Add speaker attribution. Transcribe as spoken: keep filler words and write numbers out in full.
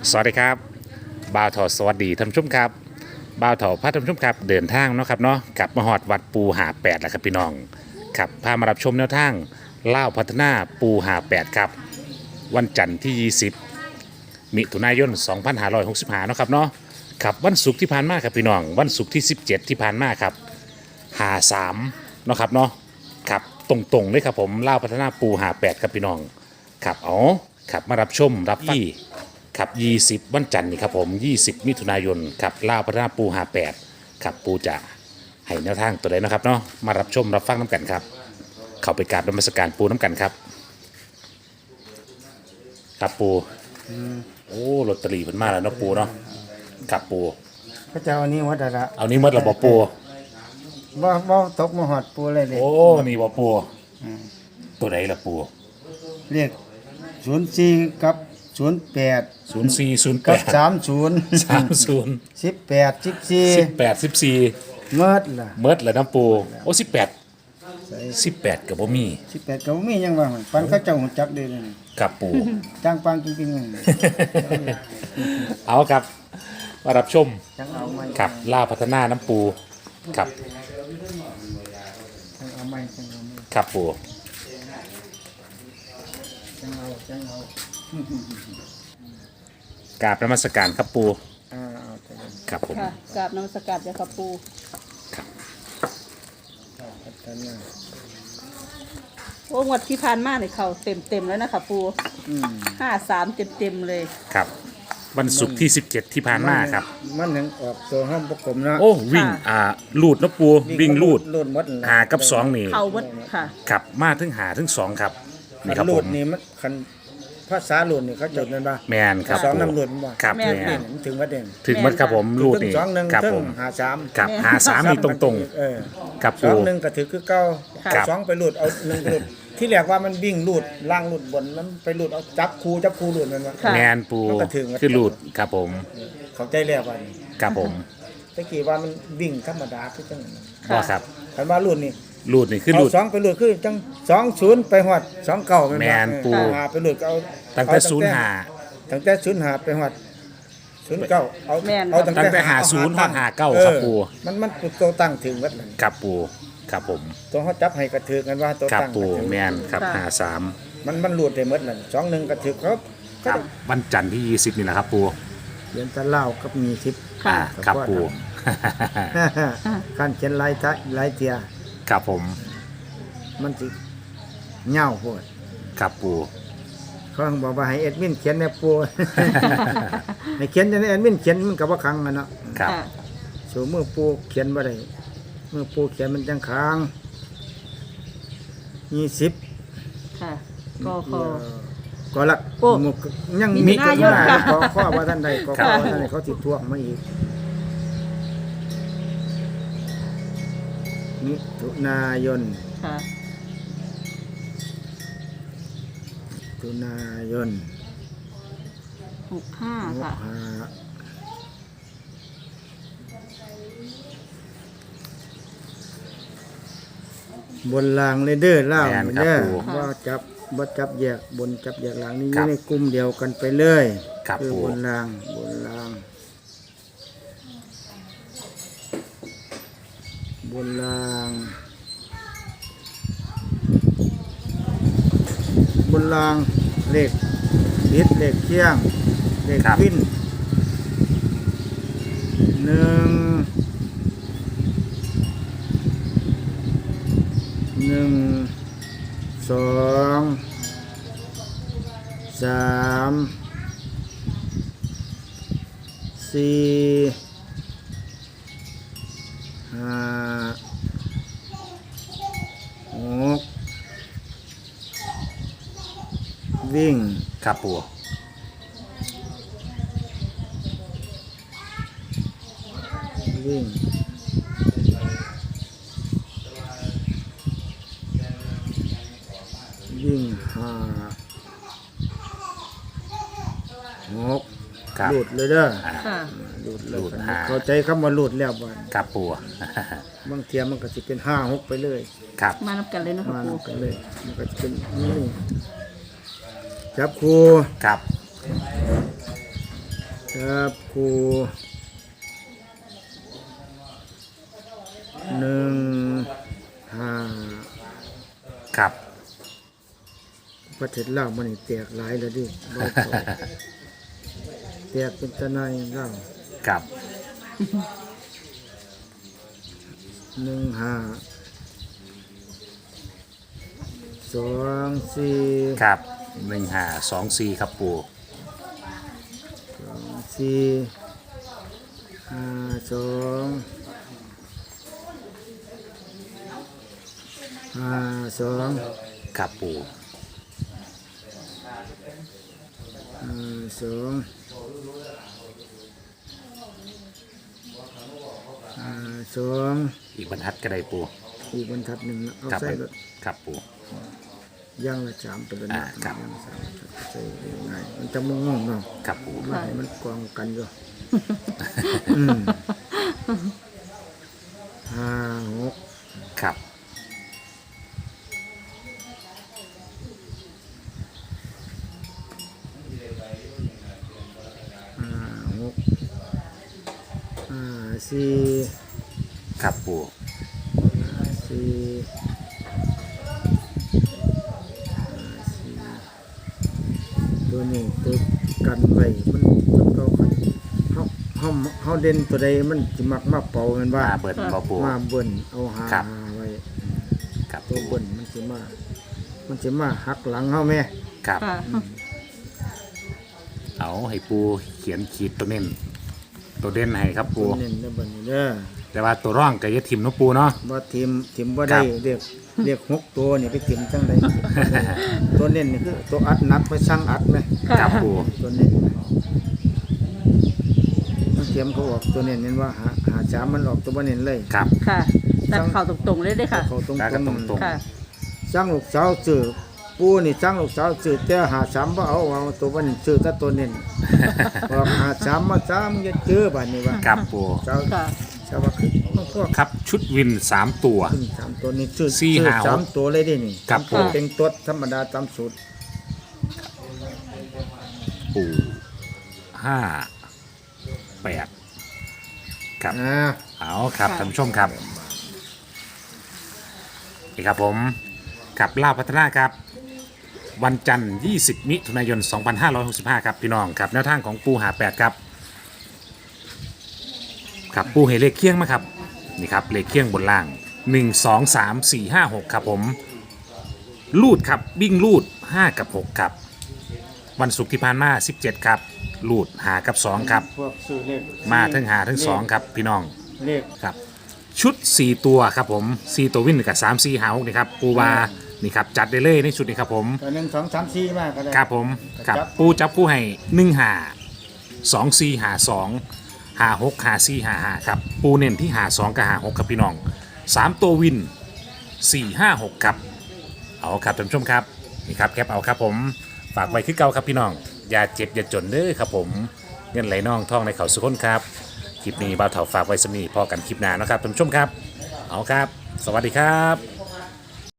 Speaker 1: สวัสดีครับบ่าวถอสวัสดีท่านผู้ชมครับบ่าวถอพาท่านผู้ชมครับเดินทางเนาะครับเนาะกลับมาหอดวัดปูหาแปดแล้วครับพี่น้องครับพามารับชมแนวทางเล่าวพัฒนาปูหาแปดครับวันจันทร์ที่ยี่สิบมิถุนายนสองพันห้าร้อยหกสิบห้าเนาะครับเนาะครับวันศุกร์ที่ผ่านมาครับพี่น้องวันศุกร์ที่สิบเจ็ดที่ผ่านมาครับหาสามเนาะครับเนาะครับตรงๆเลยครับผมเล่าวพัฒนาปูหาแปดครับพี่น้องครับอ๋อครับมารับชมรับฟังครับยี่สิบวันจันทร์นี่ครับผมยี่สิบมิถุนายนครับเล่าวพัฒนาปูหาแปดครับปูจะให้แนวทางตัวใดเนาะครับเนาะมารับชมรับฟังน้ำกันครับเข้าไปกราบนมัสการปูน้ำกันครับครับปูโอ้ลอตเตอรี่เพิ่นมาแล้วเนาะปูเนาะครับปู
Speaker 2: พระเจ้าอันนี้วัดละ
Speaker 1: เอานี้หมดแล้วบ่ปู
Speaker 2: บ่บ่ตกมาหอดปูเลยเลย
Speaker 1: โอ้นี่บ่ปูตัวใดล่ะปู
Speaker 2: เรียกศูนย์สี่กับศูนย์แปด
Speaker 1: ศูนย์สี่ ศูนย์แป
Speaker 2: กับ
Speaker 1: ด
Speaker 2: สามศูนย์
Speaker 1: สามศูนย์
Speaker 2: สิบแปดสิบสี่
Speaker 1: สิบแปดสิบสี่
Speaker 2: เมิดล่ะ
Speaker 1: เมิดแล้วน้ำปูโอ้สิบแปดสิบแปดกับบ่มี
Speaker 2: สิบแปดก็บ่มีหยังว่าปันเขาเจ้าหุ่นจักเด้อนี่
Speaker 1: กับปู
Speaker 2: จ้างปังจริงๆเลย
Speaker 1: เอาครับมารับชม
Speaker 2: จังเอาไม้
Speaker 1: ครับล่าพัฒนาน้ำปูครับ
Speaker 2: จังเอาไม้จังเอาไม้
Speaker 1: ครับปู
Speaker 2: จังเอาจังเอา
Speaker 1: กราบนมัสการครับปู
Speaker 2: อ่าเอาแต่ละ
Speaker 1: ครับผม
Speaker 3: ค่ะกราบนมัสการเจ้าค่ะปู
Speaker 2: พัฒนา
Speaker 3: โอ้งวดที่ผ่านมาเนี่ยเขาเต็มเต็มๆแล้วนะคะปู
Speaker 2: อืม
Speaker 3: ห้าสามเต็มเต็มๆเลย
Speaker 1: ครับวันศุกร์ที่สิบเจ็ดที่ผ่านมาครับ
Speaker 2: มันยังออกตัวห้องประกบเนาะ
Speaker 1: โอ้วิ่งอ่าลูดน้ำปูวิ่งลูด
Speaker 2: ลูดหมดนั่นล่ะ
Speaker 1: หากับสองนี่
Speaker 3: เขาวัดค่ะ
Speaker 1: ครับมาถึงหาถึงสองครับนี่ครับ
Speaker 2: คันลู
Speaker 1: ผ
Speaker 2: ด
Speaker 1: ม
Speaker 2: นี่มันคันภาษาลูดนี่เขาจดนั่นป่ะ
Speaker 1: แมนครับ
Speaker 2: สอง
Speaker 1: ปู
Speaker 2: น้ำลูดบ่
Speaker 1: ครับ
Speaker 3: แม่น
Speaker 1: แมน
Speaker 2: มันถึงว่าเด่น
Speaker 1: ถึงมัดครับผมลูด
Speaker 2: ถึง
Speaker 1: นี่
Speaker 2: สองหนึ่ง
Speaker 1: ครับ
Speaker 2: ถึ
Speaker 1: ผ
Speaker 2: ง
Speaker 1: ม
Speaker 2: หาสาม
Speaker 1: ครับหาสามนี่ตรง
Speaker 2: เออ
Speaker 1: ๆกับ
Speaker 2: ส
Speaker 1: ปู
Speaker 2: องหนึ่งก็ถือคือเก้า
Speaker 3: ค่ะ
Speaker 2: เอาสองไปลูดเอาหนึ่งไปลูดที่แรกว่ามันวิ่งลูดล่างลูดบนมันไปลูดเอาจับคูจับคูลูดนั่นวะ
Speaker 3: ค่ะ
Speaker 1: แมนปู
Speaker 2: มันก็ถึง
Speaker 1: คือลูดครับผม
Speaker 2: เข้าใจแล้วว่านี่
Speaker 1: ครับผม
Speaker 2: ตะกี้ว่ามันวิ่งธรรมดาคือจังนั้น
Speaker 3: ค่ะ
Speaker 1: ว่าครับ
Speaker 2: คันว่าลูดนี่
Speaker 1: ลูดนี่คือ
Speaker 2: เอา
Speaker 1: ลูด
Speaker 2: สองไปลูดคือจังสองศูนย์ไปฮอดสองเก้า
Speaker 1: แม่นปู
Speaker 2: หาไปลูดก็เอา
Speaker 1: ตั้งแต่
Speaker 2: เอ
Speaker 1: ศูนย์หา
Speaker 2: ตั้งแต่ศูนย์หาไปฮอดศูนย์เก้าเอา
Speaker 3: แม่น
Speaker 2: เอา
Speaker 1: ตั้งแต่หาศูนย์ฮอดหาเก้าครับปู
Speaker 2: เออมันมันตัวตั้งถึงวัดนั่น
Speaker 1: ครับปูครับผม
Speaker 2: ตัวเขาจับให้กระถือกันว่าตัว
Speaker 1: ครับ
Speaker 2: ตั้ง
Speaker 1: ปู
Speaker 2: กระถือ
Speaker 1: แมนครับ
Speaker 3: ค่ะ
Speaker 1: หาสาม
Speaker 2: มันมันหลุดได้หมดนั่นสองหนึ่งกระถือครับ
Speaker 1: ครับวันจันทร์ที่ยี่สิบนี่แหละครับปู
Speaker 2: เขียนตะเล่ากับมีทิพย์
Speaker 3: ค่ะ
Speaker 1: อ่าครับปู
Speaker 2: การเขียนลายทะลายเทีย
Speaker 1: ครับผม
Speaker 2: มันสิเหง่าโพด
Speaker 1: ครับปู
Speaker 2: เขาบอกว่าให้เอ็ดมินเขียนแนปู ให้เขียนจะให้เอ็ดมินเขียนมันกับว่าคังกันเนาะ
Speaker 1: ครับ
Speaker 3: ค่ะ
Speaker 2: สูมือปูเขียนบ่ได้มือปูเขียนมันจังค้างยี่สิบ
Speaker 3: ค่ะก็ขอ
Speaker 2: ก็ละ
Speaker 3: โอ้
Speaker 2: หมู่ยัง
Speaker 3: มิ
Speaker 2: มี
Speaker 3: ถุนายน
Speaker 2: ก็
Speaker 3: ค่ะ
Speaker 2: ขอข้อว่าท่านใดก็ขอว่าท่านใดเขาติดทวงมาอีกมิถุนายน
Speaker 3: ค่ะ
Speaker 2: มิถุนายน
Speaker 3: หกห้า
Speaker 2: หก
Speaker 3: ค่ะ
Speaker 2: ห้าบนรางเลยเด้อเล่า
Speaker 1: แม่นครับ
Speaker 2: เด้อ
Speaker 1: ปู่
Speaker 2: ว่าจับบ่จับแยกบนจับแยกหลังนี่อ
Speaker 1: ครั
Speaker 2: ยู่
Speaker 1: บ
Speaker 2: ในกลุ่มเดียวกันไปเลย
Speaker 1: ครับ
Speaker 2: คือ
Speaker 1: ปู่
Speaker 2: บนรางบนราง บนราง บนรางเลขบิดเลขเที่ยงเลข
Speaker 1: ครับ
Speaker 2: วินหนึ่งหนึ่งสองสามสี่ห้าหกวิ่ง
Speaker 1: ครับปู
Speaker 2: วิ่งวิ่งห้าหก
Speaker 1: ครับ
Speaker 2: หลุดเลยเด้อ
Speaker 1: อ่า
Speaker 3: ค่ะ
Speaker 2: หลุดเล
Speaker 1: หลุ
Speaker 2: ย
Speaker 1: ดห้า
Speaker 2: เข้าใจคำว่าหลุดแล้วบ่
Speaker 1: ครับปู
Speaker 2: บางเทียมันก็จะเป็นห้าหกไปเลย
Speaker 1: ครับ
Speaker 3: มานับกันเลยเนาะ
Speaker 2: มา
Speaker 3: ค่ะปู
Speaker 2: นำกันเลย มันก็จะเป็นนี่จับครู
Speaker 1: ครับ
Speaker 2: จับคู่หนึ่งห้า
Speaker 1: ครับ
Speaker 2: ประเทศลาวมันนี่แตกหลายแล้วดิบ่เข้าแตกเป็นตะไนลาว
Speaker 1: ครับ
Speaker 2: หนึ่งห้าสองสี่
Speaker 1: ครับหนึ่งห้าสองสี่ครับปู
Speaker 2: สองสี่ห้าสองห้าสอง
Speaker 1: ครับปู
Speaker 2: ห้าสองห้าสอง
Speaker 1: อีกบรรทัดก็ได้ปู
Speaker 2: อีกบรรทัดหนึ่งนะเอา
Speaker 1: ครับ
Speaker 2: ใส่รถ
Speaker 1: ครับปู
Speaker 2: ย่างละสามตัวละ
Speaker 1: อ่าครับ
Speaker 2: ย่างละสามตัวใส่ง่ายมันจะมงงเนาะ
Speaker 1: ครับปู
Speaker 2: มันให้มันกองกันอยู่ อืมห้าหก
Speaker 1: ครับ
Speaker 2: ห้าหกห้าสี่
Speaker 1: ครับปู
Speaker 2: ห้าสี่ห้าสี่ตัวนี้ตัวกันไว้มันมันก็ขันเขาเขาเขาเด่นตัวใดมันจะมักมาเป่าแมันว่า
Speaker 1: มาเบิร์นบ่ปู
Speaker 2: มาเบิ่นเอาหา
Speaker 1: ครับ
Speaker 2: ไว้
Speaker 1: ครับ
Speaker 2: ตัว
Speaker 1: ปู
Speaker 2: เบิ่นมันจะมา มันจะมาหักหลังเขาแม่
Speaker 1: ครับ
Speaker 3: ค่ะ
Speaker 1: เอาให้ปูเขียนขีดตัวเน้นตัวเด่นให้ครับปู
Speaker 2: ตัวเน้นในเบิ่นนี่เด้อ
Speaker 1: แต่ว่าตัวร่องก็อย่าทิมเนาะปูเนาะ
Speaker 2: บ่ทีมทีมบ่ได้
Speaker 1: ครับ
Speaker 2: เรียกเรียกหกตัวนี่ไปทีมจังไดตัวเน้นนี่คือตัวอัดนักไปสั่งอัดไหม
Speaker 1: ครับปู
Speaker 2: ตัวเน้นมันเทียมเขาออกตัวเน้นเน้นว่าหาหาสามมันออกตัวบ่เน้นเลย
Speaker 1: ครับ
Speaker 3: ค่ะตัดเข่าตรงๆเลยเด้อค่ะ
Speaker 2: เขาตรง
Speaker 1: แล้วก็ตรงๆ
Speaker 3: ค่ะ
Speaker 2: สั่งลูกสาวซื้อปูนี่สั่งลูกสาวซื้อแต่หาสามบ่เอาเอาตัวบ่เน้นซื้อแต่ตัวเน้นออกหาสามมาสามอย่าเจอบัดนี้ว่า
Speaker 1: ครับปู
Speaker 2: สาว
Speaker 3: ค่ะ
Speaker 2: สาวว่าคือมันพวก
Speaker 1: ครับชุดวินสามตัว
Speaker 2: ขึ้นสามตัวนี้ซื้อ
Speaker 1: สี่
Speaker 2: ซื้อ
Speaker 1: ห้าหก
Speaker 2: สามตัวเลยเดินี่
Speaker 1: ครับ
Speaker 2: ตัว
Speaker 1: ผม
Speaker 2: เป็นตัวธรรมดาตามสูตร
Speaker 1: ปูห้าแปดครับ
Speaker 2: อ่า
Speaker 1: เอาครับ
Speaker 3: ค่ะ
Speaker 1: ท่านผู้ชมครับนี่ครับผมกับล่าวพัฒนาครับ วันจันทร์ยี่สิบมิถุนายนสองพันห้าร้อยหกสิบห้าครับพี่น้องครับแนวทางของปูหาแปดครับครับปูเฮเลขเคียงมาครับนี่ครับเลขเคียงบนล่างหนึ่ง สอง สาม สี่ ห้า หกครับผมลูดครับวิ่งลูดห้ากับหกครับวันศุกร์ที่ผ่านมาสิบเจ็ดครับลูดหากับสองครับ
Speaker 2: พวกซื้อเลข
Speaker 1: มาทั้งหาทั้งสองครับพี่น้อง
Speaker 2: เลข
Speaker 1: ครับชุด สี่ ตัวครับผมสี่ตัววิ่งกับสาม สี่ หาหกนี่ครับปูวานี่ครับจัดได้เลยในชุดนี้ครับผม
Speaker 2: ตัวหนึ่งสองสามสี่มากก็ได้
Speaker 1: ครับผมครับปูจับคู่ให้หนึ่งหาสองสี่หาสองหาหกหาสี่หาหาครับปูเน้นที่หาสองกับหาหกครับพี่น้องสามตัววินสี่ห้าหกครับเอาครับท่านผู้ชมครับนี่ครับแคปเอาครับผมฝากไว้คือเก่าครับพี่น้องอย่าเจ็บอย่าจนเด้อครับผมเงินไหลน่องท่องในเขาสุขคนครับคลิปนี้บ่าวเถาฝากไว้สำนีพอกันคลิปหน้านะครับท่านผู้ชมครับเอาครับ สวัสดีครับ